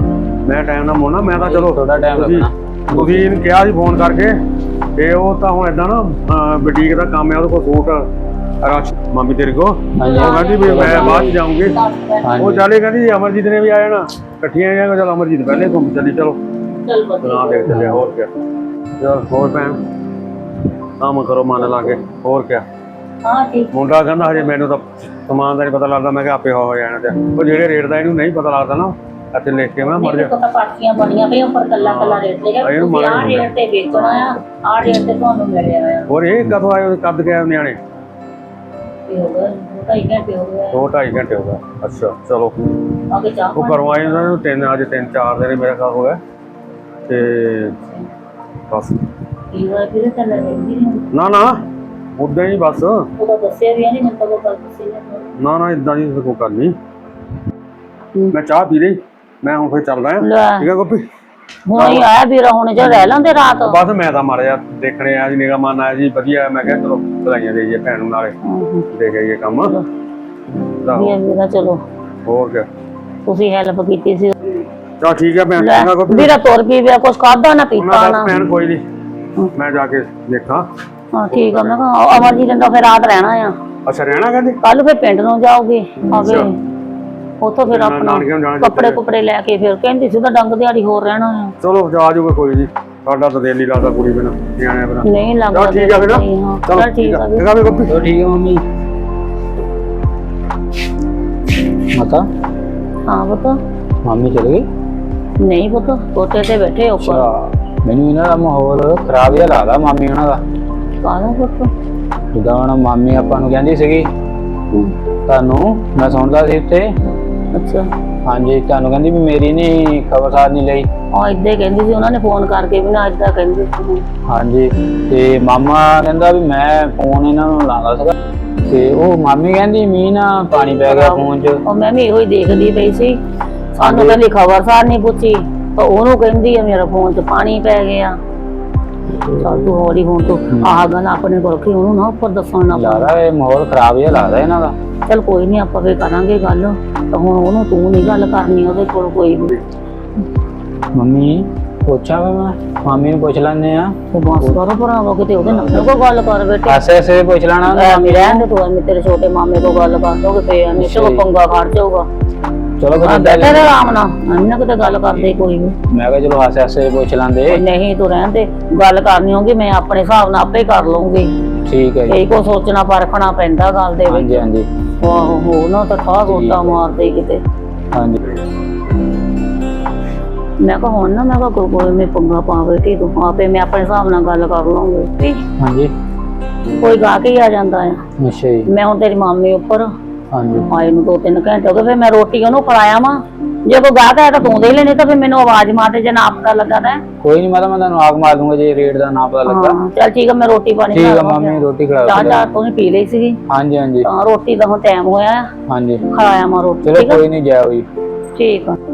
ਮੈਂ ਟਾਈਮ ਨਾਲ ਮੋੜਨਾ ਮੈਂ ਤਾਂ ਚਲੋ
ਥੋੜਾ ਟਾਈਮ
ਤੁਸੀਂ-
ਲੱਗਣਾ।
ਤੁਸੀਂ ਇਹਨੂੰ ਕਿਹਾ ਸੀ ਫੋਨ ਕਰਕੇ ਤੇ ਉਹ ਤਾਂ ਹੁਣ ਏਦਾਂ ਨਾ ਬੁਟੀਕ ਦਾ ਕੰਮ ਹੈ ਉਹਦੇ ਕੋਲ ਸੂਟ ਰਸ਼ ਮਾਮੀ ਤੇਰੇ ਕੋ
ਹਾਂਜੀ।
ਉਹ ਕਹਿੰਦੀ ਵੀ ਮੈਂ ਬਾਅਦ ਚ ਜਾਊਂਗੀ ਉਹ
ਹਾਂਜੀ
ਚਾਲੇ ਕਹਿੰਦੀ ਅਮਰਜੀਤ ਨੇ ਵੀ ਆ ਜਾਣਾ ਇਕੱਠੀਆਂ ਜਾਏਗਾ ਚਲ ਅਮਰਜੀਤ ਪਹਿਲੇ ਘੁੰਮ ਚੱਲੀ ਚਲੋ
ਚੱਲ ਵਧੀਆ।
ਨਾ ਦੇਖ ਚੱਲਿਆ ਹੋਰ ਕਿਆ ਚਲ ਹੋਰ ਭੈਣ ਕੰਮ ਕਰੋ ਮਨ ਲਾ ਕੇ ਹੋਰ ਕਿਆ
ਹਾਂ ਠੀਕ।
ਮੁੰਡਾ ਕਹਿੰਦਾ ਹਜੇ ਮੈਨੂੰ ਤਾਂ ਸਮਾਨ ਦਾ ਨਹੀਂ ਪਤਾ ਲੱਗਦਾ ਮੈਂ ਕਿਹਾ ਆਪੇ ਹੋ ਹੋ ਜਾਣਾ ਤੇ ਉਹ ਜਿਹੜੇ ਰੇਟ ਦਾ ਇਹਨੂੰ ਨਹੀਂ ਪਤਾ ਲੱਗਦਾ ਨਾ ਇੱਥੇ ਲਿਖ ਕੇ ਮੈਂ ਮਰ ਜਾ
ਤਾਂ ਪਾਰਟੀਆਂ ਬਣੀਆਂ ਪਈਆਂ ਉੱਪਰ ਕੱਲਾ ਕੱਲਾ ਰੇਟ ਲਿਖਿਆ
ਇਹਨੂੰ
ਤੁਸੀਂ ਆਹ
ਮਾੜਾ
ਰੇਟ ਤੇ ਵੇਚਣਾ ਆ ਆਹ ਰੇਟ ਤੇ ਤੁਹਾਨੂੰ ਮਿਲਿਆ ਆ
ਹੋਰ ਇਹ ਕਦੋਂ ਆਏ ਕੱਦ ਕੇ ਨਿਆਣੇ
ਤੇ ਹੋ ਗਿਆ ਦੋ ਢਾਈ ਘੰਟੇ ਹੋ ਗਏ
ਦੋ ਢਾਈ ਘੰਟੇ ਹੋ ਗਏ ਅੱਛਾ ਚਲੋ
ਆਗੇ ਚਾਹ
ਉਹ ਘਰੋਂ ਆਏ ਉਹਨਾਂ ਨੂੰ ਤਿੰਨ ਅੱਜ ਤਿੰਨ ਚਾਰ ਦਿਨ ਮੇਰਾ ਖਾ ਹੋ ਗਿਆ ਤੇ ਬਸ
ਪੀ ਹੋਇਆ ਫਿਰ ਚੱਲ ਰਹੀ ਨਹੀਂ
ਨਾ ਨਾ ਉਦਾਂ ਹੀ ਬਸ
ਉਹਦਾ ਦੱਸਿਆ ਵੀ ਨਹੀਂ ਮੈਨੂੰ ਤਾਂ ਉਹ ਗੱਲ ਦੱਸੀ ਨਹੀਂ
ਨਾ ਨਾ ਇਦਾਂ ਦੀ ਕੋਈ ਗੱਲ ਨਹੀਂ ਮੈਂ ਚਾਹ ਪੀ ਲਈ ਮੈਂ ਹੁਣ ਫਿਰ ਚੱਲਦਾ ਆ
ਲੈ
ਠੀਕ ਹੈ ਗੋਪੀ
ਹੁਣ ਹੀ ਆਇਆ ਵੀਰਾ ਹੁਣ ਜੋ ਰਹਿ ਲੈਂਦੇ ਰਾਤ
ਬਸ ਮੈਂ ਤਾਂ ਮਾੜਾ ਜਿਹਾ ਦੇਖਣੇ ਆ ਜੀ ਨਿਗਾ ਮਨ ਆਇਆ ਜੀ ਵਧੀਆ ਮੈਂ ਕਿਹਾ ਚਲੋ ਵਧਾਈਆਂ ਦੇਈਏ ਭੈਣ ਨੂੰ ਨਾਲੇ ਦੇਖ ਆਈਏ ਕੰਮ ਤਾਂ
ਵੀਰਾ ਵੀਰਾ ਚਲੋ
ਹੋਰ ਕਿਆ
ਤੁਸੀਂ ਹੈਲਪ ਕੀਤੀ ਸੀ
ਚਲ ਠੀਕ ਹੈ ਭੈਣ
ਲੈ,
ਚੰਗਾ ਗੋਪੀ
ਵੀਰਾ ਤੁਰ ਪੀ ਪਿਆ ਕੁਛ ਖਾਦਾ ਨਾ ਪੀਤਾ
ਉਹਨਾਂ
ਨਾ
ਦਾ ਭੈਣ ਕੋਈ ਨਹੀਂ ਮੈਂ ਜਾ ਕੇ ਦੇਖਾਂ
ਹਾਂ ਠੀਕ ਆ ਮੈਂ ਕਿਹਾ ਅਮਰਜੀਤ ਨੇ ਤਾਂ ਫਿਰ ਰਾਤ ਰਹਿਣਾ ਆ
ਅੱਛਾ ਰਹਿਣਾ ਕਹਿੰਦੇ
ਕੱਲ ਫਿਰ ਪਿੰਡ ਨੂੰ ਜਾਓਗੇ ਆਗੇ
ਅੱਛਾ।
ਉੱਥੋਂ ਫਿਰ
ਨਾ-
ਆਪਣਾ
ਨਾਨਕਿਆਂ ਨੂੰ ਜਾਣਾ
ਕੱਪੜੇ ਕੁਪੜੇ ਲੈ ਕੇ ਫਿਰ ਕਹਿੰਦੀ ਸੀ ਤਾਂ ਡੰਗ ਦਿਹਾੜੀ ਹੋਰ ਰਹਿਣਾ ਆ
ਚਲੋ ਜਾ ਜੂਗਾ ਕੋਈ ਨਹੀਂ ਸਾਡਾ ਤਾਂ ਦਿਲ ਨਹੀਂ ਲੱਗਦਾ ਕੁੜੀ ਬਿਨਾਂ ਨਿਆਣਿਆਂ ਬਿਨਾਂ
ਨਹੀਂ ਲੱਗਦਾ
ਚਲ ਠੀਕ ਆ ਫਿਰ
ਨਹੀਂ, ਹਾਂ
ਚਲੋ
ਚੱਲ ਠੀਕ ਆ ਵੀਰ।
ਠੀਕ ਆ ਵੀ ਗੋਪੀ
ਚਲੋ ਠੀਕ ਹੈ ਮੰਮੀ ਮਾਤਾ
ਹਾਂ ਪੁੱਤ
ਮੰਮੀ ਚਲੇ ਗਈ
ਨਹੀਂ ਪੁੱਤ ਕੋਠੇ ਤੇ ਬੈਠੇ ਉੱਪਰ
ਅੱਛਾ ਮੈਨੂੰ ਇਹਨਾਂ ਦਾ ਮਾਹੌਲ ਖਰਾਬ ਜਿਹਾ ਲੱਗਦਾ ਮਾਮੀ ਉਹਨਾਂ ਦਾ
ਕਾਹਦਾ ਪੁੱਤ
ਜਿੱਦਾਂ ਹੁਣ ਮਾਮੀ ਆਪਾਂ ਨੂੰ ਕਹਿੰਦੀ ਸੀਗੀ ਤੁਹਾਨੂੰ ਮੈਂ ਸੁਣਦਾ ਸੀ ਉੱਤੇ
ਅੱਛਾ
ਹਾਂਜੀ ਤੁਹਾਨੂੰ ਕਹਿੰਦੀ ਵੀ ਮੇਰੀ ਨਹੀਂ ਖਬਰਸਾਰ ਨਹੀਂ ਲਈ
ਹਾਂ ਏਦਾਂ ਹੀ ਕਹਿੰਦੀ ਸੀ ਉਹਨਾਂ ਨੇ ਫੋਨ ਕਰਕੇ ਵੀ ਨਾ ਏਦਾਂ ਕਹਿੰਦੀ ਸੀ
ਹਾਂਜੀ ਤੇ ਮਾਮਾ ਕਹਿੰਦਾ ਵੀ ਮੈਂ ਫੋਨ ਇਹਨਾਂ ਨੂੰ ਲਾਉਂਦਾ ਸੀਗਾ ਤੇ ਉਹ ਮਾਮੀ ਕਹਿੰਦੀ ਮੀਂਹ ਨਾ ਪਾਣੀ ਪੈ ਗਿਆ ਫੋਨ 'ਚ
ਉਹ ਮੈਂ ਵੀ ਇਹੋ ਹੀ ਦੇਖਦੀ ਪਈ ਸੀ ਸਾਨੂੰ ਕਹਿੰਦੀ ਖਬਰਸਾਰ ਨਹੀਂ ਪੁੱਛੀ ਤਾਂ ਉਹਨੂੰ ਕਹਿੰਦੀ ਆ ਮੇਰਾ ਫੋਨ 'ਚ ਪਾਣੀ ਪੈ ਗਿਆ ਚੱਲ ਤੂੰ ਹੌਲੀ ਹੁਣ ਤੂੰ ਆਹ ਗੱਲ ਆਪਣੇ ਕੋਲ ਰੱਖੀ ਉਹਨੂੰ ਨਾ ਉੱਪਰ ਦੱਸਣ ਨਾ
ਲੱਗਦਾ ਇਹ ਮਾਹੌਲ ਖਰਾਬ ਜਿਹਾ ਲੱਗਦਾ ਇਹਨਾਂ ਦਾ
ਚੱਲ ਕੋਈ ਨਹੀਂ ਆਪਾਂ ਫੇਰ ਕਰਾਂਗੇ ਗੱਲ ਤਾਂ ਹੁਣ ਉਹਨੂੰ ਤੂੰ ਨਹੀਂ ਗੱਲ ਕਰਨੀ ਉਹਦੇ ਕੋਲ ਕੋਈ ਵੀ
ਮੰਮੀ ਪੁੱਛਾਂ ਵਾ ਮੈਂ ਮਾਮੀ ਨੂੰ ਪੁੱਛ ਲੈਂਦੇ ਆ
ਤੇ ਬਸ ਕਰੋ ਭਰਾਵਾ ਕਿਤੇ ਉਹਦੇ ਨਾਲ ਕੋਈ ਗੱਲ ਕਰ ਬੇਟੇ
ਐਸੇ ਐਸੇ ਪੁੱਛ ਲੈਣਾ
ਐਵੇਂ ਰਹਿਣ ਦੇ ਤੂੰ ਐਵੇਂ ਤੇਰੇ ਛੋਟੇ ਮਾਮੇ ਕੋਲ ਗੱਲ ਕਰ ਦੋਗੇ ਤੇ ਐਵੇਂ ਤੇ ਉਹ ਪੰਗਾ ਖੜ ਜਾਊਗਾ
ਚਲੋ ਫਿਰ
ਹਾਂ
ਏਦਾਂ
ਬੈਠੇ ਰਹਿ ਆਰਾਮ ਨਾਲ ਐਵੇਂ ਕਿਤੇ ਗੱਲ ਕਰਦੇ ਕੋਈ ਵੀ
ਮੈਂ ਕਿਹਾ ਚਲੋ ਹਾਸੇ ਹਾਸੇ ਪੁੱਛ ਲੈਂਦੇ
ਨਹੀਂ ਤੂੰ ਰਹਿਣ ਦੇ ਗੱਲ ਕਰਨੀ ਹੋਗੀ ਮੈਂ ਆਪਣੇ ਹਿਸਾਬ ਨਾਲ ਆਪੇ ਕਰ ਲਵਾਂਗੀ
ਠੀਕ ਹੈ ਜੀ
ਕਈ ਕੋ ਸੋਚਣਾ ਪਰਖਣਾ ਪੈਂਦਾ ਗੱਲ ਦੇ ਵਿੱਚ
ਹਾਂਜੀ ਹਾਂਜੀ
ਆਹੋ ਹੋ ਨਾ ਤਾਂ ਠਾ ਗੋਟਾ ਮਾਰਦੇ ਕਿਤੇ
ਹਾਂਜੀ
ਮੈਂ ਕਿਹਾ ਹੁਣ ਨਾ ਮੈਂ ਕਿਹਾ ਕੋਈ ਕੋਈ ਮੈਂ ਪੰਗਾ ਪਾਵੇ ਕਿ ਤੂੰ ਆਪੇ ਮੈਂ ਆਪਣੇ ਹਿਸਾਬ ਨਾਲ ਗੱਲ ਕਰ ਲਵਾਂਗੀ
ਹਾਂਜੀ
ਕੋਈ ਗਾ ਕੇ ਹੀ ਆ ਜਾਂਦਾ ਆ
ਅੱਛਾ ਜੀ
ਮੈਂ ਹੁਣ ਤੇਰੀ ਮਾਮੀ ਉੱਪਰ
ਹਾਂਜੀ
ਆਏ ਨੂੰ ਦੋ ਤਿੰਨ ਘੰਟੇ ਹੋ ਗਏ ਫਿਰ ਮੈਂ ਰੋਟੀ ਉਹਨੂੰ ਖਵਾਇਆ ਵਾ ਜੇ ਕੋਈ ਗਾਹਕ ਆਇਆ ਤਾਂ ਤੂੰ ਦੇ ਲੈਣੀ ਤਾਂ ਫਿਰ ਮੈਨੂੰ ਆਵਾਜ਼ ਮਾਰ ਦੇ ਜੇ ਨਾ ਪਤਾ ਲੱਗਾ ਤਾਂ
ਕੋਈ ਨਹੀਂ ਮੈਂ ਤਾਂ ਮੈਂ ਤੁਹਾਨੂੰ ਆਗ ਮਾਰ ਦੂੰਗਾ ਜੇ ਰੇਟ ਦਾ ਨਾ ਪਤਾ ਲੱਗਾ
ਹਾਂ ਚੱਲ ਠੀਕ ਆ ਮੈਂ ਰੋਟੀ ਪਾਣੀ
ਠੀਕ ਆ
ਖਾ ਲਵਾਂ
ਮਾਮੀ ਰੋਟੀ ਖਿਲਾ
ਚਾਹ
ਦਿਓ
ਚਾਹ ਤੂੰ ਪੀ ਲਈ ਸੀਗੀ
ਹਾਂਜੀ ਹਾਂਜੀ
ਤਾਂ ਰੋਟੀ ਦਾ ਹੁਣ ਟਾਈਮ ਹੋਇਆ ਆ
ਹਾਂਜੀ
ਖਾਇਆ ਮੈਂ ਰੋਟੀ
ਚਲੋ
ਠੀਕ ਆ
ਕੋਈ ਨਹੀਂ ਜਾ ਹੋਈ
ਠੀਕ ਆ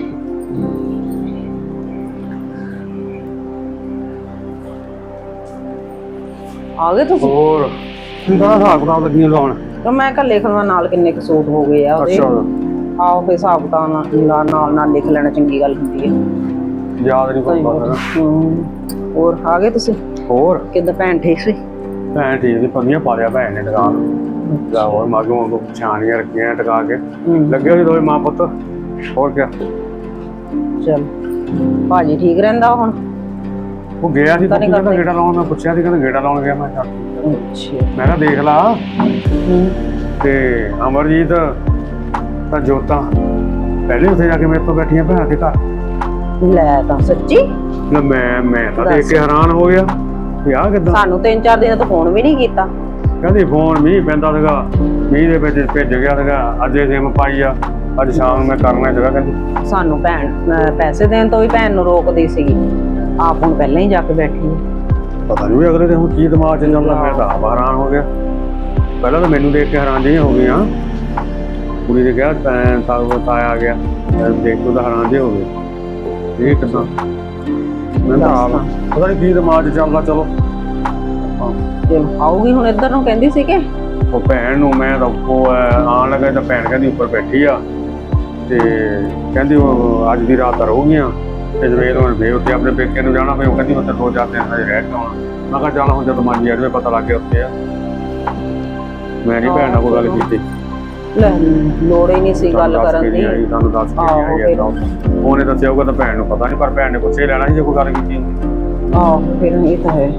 ਆ ਗਏ ਤੁਸੀਂ
ਹੋਰ ਕਿੰਨਾ ਹਿਸਾਬ ਕਿਤਾਬ ਲੱਗੀਆਂ ਲਾਉਣ
ਤਾਂ ਮੈਂ ਕਿਹਾ ਲਿਖ ਲਵਾਂ ਨਾਲ ਕਿੰਨੇ ਕੁ ਸੂਟ ਹੋ ਗਏ ਆ ਉਹਦੇ
ਅੱਛਾ
ਆਓ ਫੇ ਹਿਸਾਬ ਕਿਤਾਬ ਨਾਲ ਨਾਲ ਨਾਲ ਨਾਲ ਲਿਖ ਲੈਣਾ ਚੰਗੀ ਗੱਲ ਹੁੰਦੀ ਹੈ
ਯਾਦ ਨਹੀਂ ਕੋਈ ਪਤਾ
ਹੂੰ ਹੋਰ ਆ ਗਏ ਤੁਸੀਂ
ਹੋਰ
ਕਿੱਦਾਂ ਭੈਣ ਠੀਕ ਸੀ
ਭੈਣ ਠੀਕ ਦੀ ਪੰਨੀਆਂ ਪਾ ਲਿਆ ਭੈਣ ਨੇ ਦੁਕਾਨ ਦਾ ਹੋਰ ਮਾਗੋਂ ਕੋ ਛਾਣੀਆਂ ਰੱਖੀਆਂ ਟਕਾ ਕੇ ਲੱਗੇ ਹੋਏ ਦੋਵੇਂ ਮਾਂ ਪੁੱਤ ਹੋਰ ਕਿਆ
ਚਲ ਭਾਜੀ ਠੀਕ ਰਹਿੰਦਾ ਹੁਣ
ਉਹ ਗਿਆ ਸੀ
ਤਾਂ ਨਹੀਂ
ਕਹਿੰਦਾ
ਕਰਦੇ।
ਗੇੜਾ ਲਾਉਣ ਮੈਂ ਪੁੱਛਿਆ ਸੀ ਕਹਿੰਦਾ ਗੇੜਾ ਲਾਉਣ ਗਿਆ ਮੈਂ ਕਿਹਾ
ਅੱਛਾ
ਮੈਂ ਕਿਹਾ ਦੇਖ ਲਾ ਤੇ ਅਮਰਜੀਤ ਤਾਂ ਜੋਤਾਂ ਪਹਿਲੇ ਉੱਥੇ ਜਾ ਕੇ ਮੇਰੇ ਤੋਂ ਬੈਠੀਆਂ ਭੈਣਾਂ ਦੇ ਘਰ
ਲੈ ਤਾਂ ਸੱਚੀ
ਨਾ ਮੈਂ ਮੈਂ ਤਾਂ ਦੇਖ ਕੇ ਹੈਰਾਨ ਹੋ ਗਿਆ ਵੀ ਆਹ ਕਿੱਦਾਂ
ਸਾਨੂੰ ਤਿੰਨ ਚਾਰ ਦਿਨ ਤੋਂ ਫੋਨ ਵੀ ਨਹੀਂ ਕੀਤਾ
ਕਹਿੰਦੀ ਫੋਨ ਮੀਂਹ ਪੈਂਦਾ ਸੀਗਾ ਮੀਂਹ ਦੇ ਵਿੱਚ ਭਿੱਜ ਗਿਆ ਸੀਗਾ ਅੱਜ ਇਹ ਸਿਮ ਪਾਈ ਆ ਅੱਜ ਸ਼ਾਮ ਨੂੰ ਮੈਂ ਕਰਨਾ ਸੀਗਾ ਕਹਿੰਦੀ
ਸਾਨੂੰ ਭੈਣ ਅਹ ਪੈਸੇ ਦੇਣ ਤੋਂ ਵੀ ਭੈਣ ਨੂੰ ਰੋਕਦੀ ਸੀਗੀ ਆਪ ਹੁਣ ਪਹਿਲਾਂ ਹੀ ਜਾ ਕੇ ਬੈਠੀ ਹੈ
ਪਤਾ ਨਹੀਂ ਅਗਲੇ ਦੇ ਹੁਣ ਕੀ ਦਿਮਾਗ 'ਚ ਚੱਲਦਾ ਮੈਂ ਤਾਂ ਆਪ ਹੈਰਾਨ ਹੋ ਗਿਆ ਪਹਿਲਾਂ ਤਾਂ ਮੈਨੂੰ ਦੇਖ ਕੇ ਹੈਰਾਨ ਜਿਹੀਆਂ ਹੋ ਗਈਆਂ ਕੁੜੀ ਨੇ ਕਿਹਾ ਤੈਂ ਤਾਂ ਤਾਇਆ ਆ ਗਿਆ ਮੈਂ ਦੇਖ ਕੇ ਤਾਂ ਹੈਰਾਨ ਜਿਹੇ ਹੋ ਗਏ ਇਹ ਕਿੱਦਾਂ ਮੈਂ ਤਾਂ ਆਪ ਪਤਾ ਨਹੀਂ ਕੀ ਦਿਮਾਗ 'ਚ ਚੱਲਦਾ ਚਲੋ
ਚਲੋ ਆਊਗੀ ਹੁਣ ਇੱਧਰ ਨੂੰ ਕਹਿੰਦੀ ਸੀ ਕਿ
ਉਹ ਭੈਣ ਨੂੰ ਮੈਂ ਤਾਂ ਉਹ ਆਉਣ ਲੱਗਾ ਤਾਂ ਭੈਣ ਕਹਿੰਦੀ ਉੱਪਰ ਬੈਠੀ ਆ ਤੇ ਕਹਿੰਦੀ ਉਹ ਅੱਜ ਦੀ ਰਾਤ ਤਾਂ ਰਹੂਗੀਆਂ ਤੇ ਜਵੇਦ ਹੁਣ ਫੇਰ ਉੱਥੇ ਆਪਣੇ ਪੇਕੇ ਨੂੰ ਜਾਣਾ, ਫੇ ਉਹ ਕਹਿੰਦੀ ਉੱਥੇ ਦੋ ਚਾਰ ਦਿਨ ਹਜੇ ਰਹਿ ਕੇ ਆਉਣਾ। ਮੈਂ ਕਿਹਾ ਚੱਲ ਹੁਣ ਜਦੋਂ ਮਾਜੀ ਆਜਵੇ ਪਤਾ ਲੱਗ ਗਿਆ ਉੱਥੇ ਆ। ਮੈਂ ਨਹੀਂ ਭੈਣ ਨਾਲ ਕੋਈ ਗੱਲ ਕੀਤੀ।
ਲੈ ਲੋੜ ਹੀ ਨਹੀਂ ਸੀ ਗੱਲ ਕਰਨ ਦੀ।
ਤੁਹਾਨੂੰ ਦੱਸ ਕੇ
ਆਹੋ,
ਨਹੀਂ ਆਈ ਉਹਨੇ ਦੱਸਿਆ ਹੋਊਗਾ ਤਾਂ ਭੈਣ ਨੂੰ ਪਤਾ ਨਹੀਂ, ਪਰ ਭੈਣ ਨੇ ਪੁੱਛੇ ਲੈਣਾ ਸੀ ਜੇ ਕੋਈ ਗੱਲ ਕੀਤੀ ਹੁੰਦੀ।
ਆਹੋ ਫਿਰ ਇਹ ਤਾਂ ਹੈ।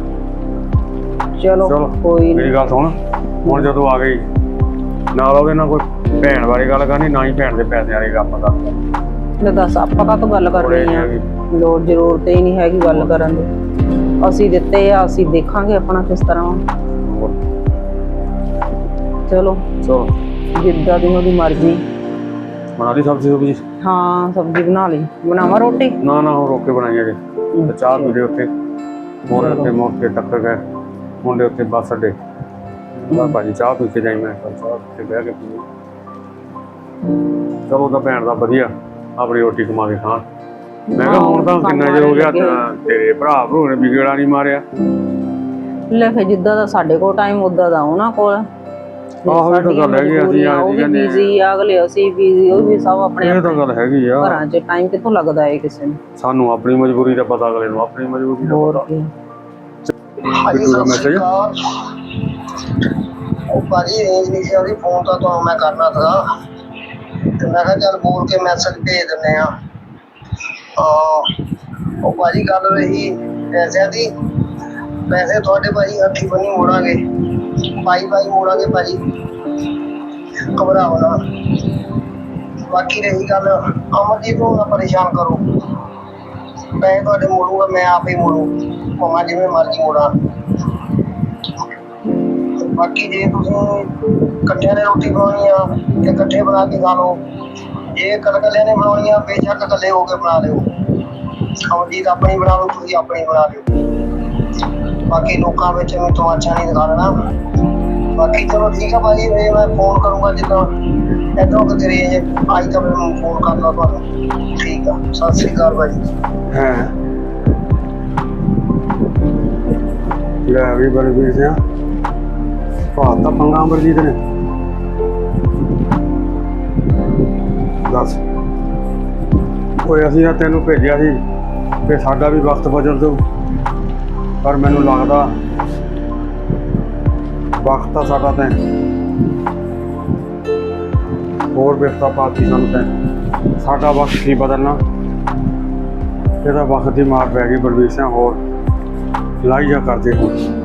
ਚਲੋ
ਚਲੋ
ਕੋਈ
ਮੇਰੀ ਗੱਲ ਸੁਣ, ਹੁਣ ਜਦੋਂ ਆ ਗਈ ਨਾਲ ਉਹਦੇ ਨਾਲ ਕੋਈ ਭੈਣ ਬਾਰੇ ਗੱਲ ਕਰਨੀ, ਨਾ ਹੀ ਭੈਣ ਦੇ ਪੈਸੇ ਵਾਲੀ ਗੱਲ ਪਤਾ
ਲੈ ਦੱਸ ਆਪਾਂ ਤਾਂ ਗੱਲ ਕਰਨੀ ਆ, ਲੋੜ ਜ਼ਰੂਰਤ ਹੀ ਨਹੀਂ ਹੈਗੀ ਗੱਲ ਕਰਨ ਦੀ। ਅਸੀਂ ਦਿੱਤੇ ਆ, ਅਸੀਂ ਦੇਖਾਂਗੇ ਆਪਣਾ ਕਿਸ ਤਰ੍ਹਾਂ। ਚਲੋ
ਚਲੋ
ਜਿੱਦਾਂ ਦੀ ਉਹਦੀ ਮਰਜ਼ੀ।
ਬਣਾ ਲਈ ਸਬਜ਼ੀ ਸੁਬਜੀ?
ਹਾਂ ਸਬਜ਼ੀ ਬਣਾ ਲਈ। ਬਣਾਵਾਂ ਰੋਟੀ?
ਨਾ ਨਾ ਉਹ ਰੋਕ ਕੇ ਬਣਾਈ ਅਜੇ। ਤੇ ਚਾਹ ਪੀ ਲਈ ਉੱਥੇ ਮੋੜ ਤੇ ਮੋੜ ਕੇ ਟੱਕਰ ਗਏ ਮੁੰਡੇ ਉੱਥੇ ਬੱਸ ਅੱਡੇ। ਮੈਂ ਭਾਜੀ ਚਾਹ ਪੀ ਕੇ ਜਾਈ, ਮੈਂ ਕਿਹਾ ਚਾਹ ਉੱਥੇ ਬਹਿ ਕੇ ਪੀ। ਚਲੋ ਤਾਂ ਭੈਣ ਦਾ ਵਧੀਆ ਆਪਣੀ ਰੋਟੀ ਕਮਾ ਕੇ ਖਾਣ। ਮੈਂ ਕਿਹਾ ਹੁਣ ਤਾਂ ਕਿੰਨਾ ਚਿਰ ਹੋ ਗਿਆ ਤੇਰੇ ਭਰਾ ਭਰੂ ਨੇ ਵੀ ਗੇੜਾ ਨਹੀਂ ਮਾਰਿਆ।
ਲੈ ਫਿਰ ਜਿੱਦਾਂ ਦਾ ਸਾਡੇ ਕੋਲ ਟਾਈਮ ਉਦਾਂ ਦਾ ਉਹਨਾਂ ਕੋਲ।
ਆਹੋ ਇਹ ਤਾਂ ਗੱਲ ਹੈਗੀ, ਅਸੀਂ
ਉਹ ਵੀ ਬਿਜ਼ੀ ਆ, ਅਗਲੇ ਅਸੀਂ ਬਿਜ਼ੀ, ਉਹ ਵੀ ਸਭ ਆਪਣੇ
ਇਹ ਤਾਂ ਗੱਲ ਹੈਗੀ ਆ।
ਘਰਾਂ 'ਚ ਟਾਈਮ ਕਿੱਥੋਂ ਲੱਗਦਾ ਹੈ ਕਿਸੇ ਨੂੰ।
ਸਾਨੂੰ ਆਪਣੀ ਮਜਬੂਰੀ ਦਾ ਪਤਾ, ਅਗਲੇ ਨੂੰ ਆਪਣੀ ਮਜਬੂਰੀ ਦਾ
ਹੋਰ
ਪਤਾ।
ਭਾਜੀ ਸਤਿ ਸ਼੍ਰੀ ਅਕਾਲ। ਉਹ ਭਾਜੀ ਰੇਂਜ ਨਹੀਂ ਸੀ ਉਹਦੀ, ਫੋਨ ਤਾਂ ਤੁਹਾਨੂੰ ਮੈਂ ਕਰਨਾ ਸੀਗਾ ਤੇ ਮੈਂ ਕਿਹਾ ਚੱਲ ਬੋਲ ਕੇ ਮੈਸੇਜ ਭੇਜ ਦਿੰਦੇ ਆ। ਉਹ ਭਾਜੀ ਗੱਲ ਰਹੀ ਪੈਸਿਆਂ ਦੀ, ਪੈਸੇ ਤੁਹਾਡੇ ਭਾਜੀ ਹੱਥੀਂ ਬੰਨੀ ਮੋੜਾਂਗੇ, ਪਾਈ ਪਾਈ ਮੋੜਾਂਗੇ ਭਾਜੀ, ਘਬਰਾਓ ਨਾ। ਬਾਕੀ ਰਹੀ ਗੱਲ ਅਮਰਜੀਤ ਨੂੰ ਨਾ ਪਰੇਸ਼ਾਨ ਕਰੋ, ਪੈਸੇ ਤੁਹਾਡੇ ਮੋੜੂਗਾ, ਮੈਂ ਆਪ ਹੀ ਮੋੜੂ, ਭਾਵੇਂ ਜਿਵੇਂ ਮਰਜ਼ੀ ਮੋੜਾਂ। ਬਾਕੀ ਜੇ ਤੁਸੀਂ ਇਕੱਠਿਆਂ ਨੇ ਰੋਟੀ ਬਣਾਉਣੀ ਆ ਤੇ ਇਕੱਠੇ ਬਣਾ ਕੇ ਖਾ ਲਓ, ਜੇ ਇਕੱਲਿਆਂ ਨੇ ਬਣਾਉਣੀ ਆ ਬੇਸ਼ੱਕ ਇਕੱਲੇ ਹੋ ਕੇ ਬਣਾ ਲਿਓ। ਅਮਰਜੀਤ ਆਪਣੀ ਬਣਾ ਲਓ, ਤੁਸੀਂ ਆਪਣੀ ਬਣਾ ਲਿਓ। ਬਾਕੀ ਲੋਕਾਂ ਵਿੱਚ ਵੀ ਤਮਾਸ਼ਾ ਨਹੀਂ ਦਿਖਾਉਣਾ। ਬਾਕੀ ਚਲੋ ਠੀਕ ਆ ਭਾਜੀ, ਫਿਰ ਮੈਂ ਫੋਨ ਕਰੂੰਗਾ ਜਿੱਦਾਂ ਇੱਧਰੋਂ ਕਿਤੇ ਰੇਂਜ ਆਈ ਤਾਂ ਮੈਨੂੰ ਫੋਨ ਕਰ ਲਾ ਤੁਹਾਨੂੰ। ਠੀਕ ਆ, ਸਤਿ ਸ਼੍ਰੀ ਅਕਾਲ ਭਾਜੀ।
ਹੈ ਲੈ ਵੀ ਬੜੇ ਵੀਰ ਸਿਆ ਭਾਤ ਤਾਂ ਪੰਗਾ ਅਮਰਜੀਤ ਨੇ। ਦੱਸ ਓਏ ਅਸੀਂ ਤਾਂ ਤੈਨੂੰ ਭੇਜਿਆ ਸੀ ਕਿ ਸਾਡਾ ਵੀ ਵਕਤ ਬਦਲ ਦਊ, ਪਰ ਮੈਨੂੰ ਲੱਗਦਾ ਵਕਤ ਤਾਂ ਸਾਡਾ ਤੈਂ ਹੋਰ ਬਿਰਤਾ ਪਾਤੀ ਸਾਨੂੰ ਤੈਂ। ਸਾਡਾ ਵਕਤ ਕੀ ਬਦਲਣਾ, ਇਹਦਾ ਵਕਤ ਦੀ ਮਾਰ ਪੈ ਗਈ ਬਲਵੀਰ ਸਿੰਘ। ਹੋਰ ਲਾਈ ਜਾ ਕਰਦੇ ਹੁਣ।